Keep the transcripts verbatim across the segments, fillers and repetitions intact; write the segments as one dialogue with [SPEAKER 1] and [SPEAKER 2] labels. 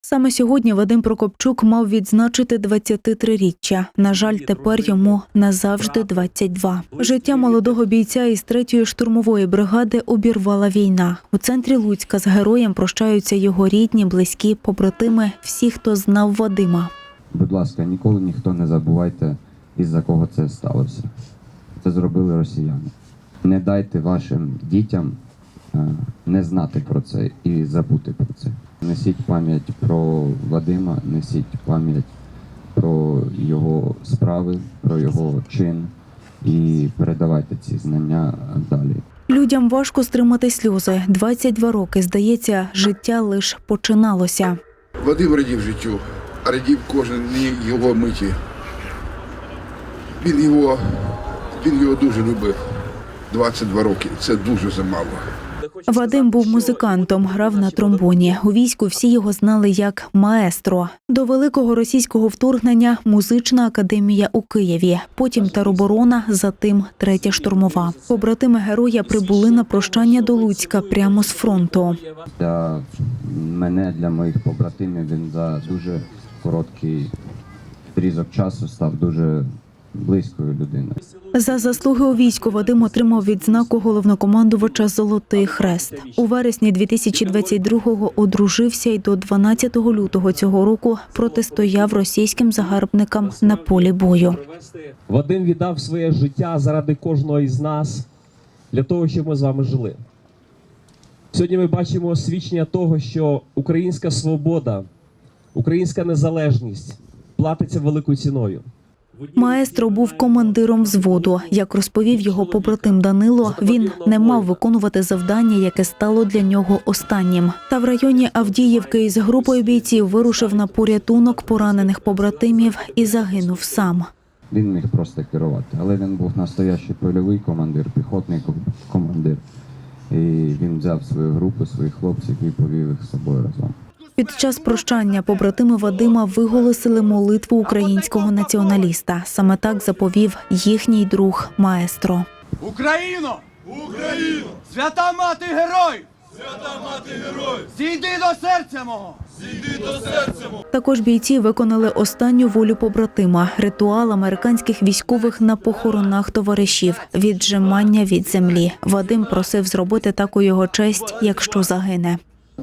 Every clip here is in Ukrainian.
[SPEAKER 1] Саме сьогодні Вадим Прокопчук мав відзначити двадцятитриріччя. На жаль, тепер йому назавжди двадцять два. Життя молодого бійця із третьої штурмової бригади обірвала війна. У центрі Луцька з героєм прощаються його рідні, близькі, побратими, всі, хто знав Вадима.
[SPEAKER 2] Будь ласка, ніколи ніхто не забувайте, із-за кого це сталося. Це зробили росіяни. Не дайте вашим дітям не знати про це і забути про це. Несіть пам'ять про Вадима, несіть пам'ять про його справи, про його чин і передавайте ці знання далі.
[SPEAKER 1] Людям важко стримати сльози. двадцять два роки, здається, життя лише починалося.
[SPEAKER 3] Вадим радів життю, радів кожен його миті. Він його, він його дуже любив. двадцять два роки – це дуже замало.
[SPEAKER 1] Вадим був музикантом, грав на тромбоні. У війську всі його знали як маестро. До великого російського вторгнення – музична академія у Києві, потім тероборона, затим третя штурмова. Побратими героя прибули на прощання до Луцька прямо з фронту.
[SPEAKER 2] Для мене, для моїх побратимів він за дуже короткий відрізок часу став дуже близькою людиною.
[SPEAKER 1] За заслуги у війську Вадим отримав відзнаку головнокомандувача «Золотий хрест». У вересні дві тисячі двадцять другого одружився і до дванадцятого лютого цього року протистояв російським загарбникам на полі бою.
[SPEAKER 4] Вадим віддав своє життя заради кожного із нас, для того, щоб ми з вами жили. Сьогодні ми бачимо освідчення того, що українська свобода, українська незалежність платиться великою ціною.
[SPEAKER 1] Маестро був командиром взводу. Як розповів його побратим Данило, він не мав виконувати завдання, яке стало для нього останнім. Та в районі Авдіївки із групою бійців вирушив на порятунок поранених побратимів і загинув сам.
[SPEAKER 2] Він міг просто керувати, але він був настоящий польовий командир, піхотний командир. І він взяв свою групу, своїх хлопців і повів їх з собою разом.
[SPEAKER 1] Під час прощання побратими Вадима виголосили молитву українського націоналіста. Саме так заповів їхній друг маестро.
[SPEAKER 5] Україно! Україно! Свята мати герой! Свята мати герой! Зійди до серця мого! Зійди до серця мого!
[SPEAKER 1] Також бійці виконали останню волю побратима – ритуал американських військових на похоронах товаришів – віджимання від землі. Вадим просив зробити так у його честь, якщо загине.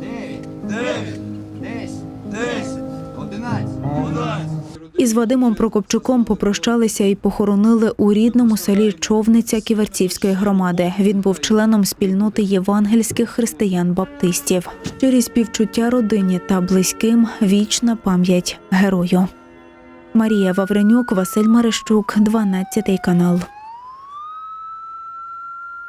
[SPEAKER 1] Із Вадимом Прокопчуком попрощалися і похоронили у рідному селі Човниця Ківерцівської громади. Він був членом спільноти євангельських християн-баптистів. Через співчуття родині та близьким вічна пам'ять герою. Марія Вавренюк, Василь Марищук, дванадцятий канал.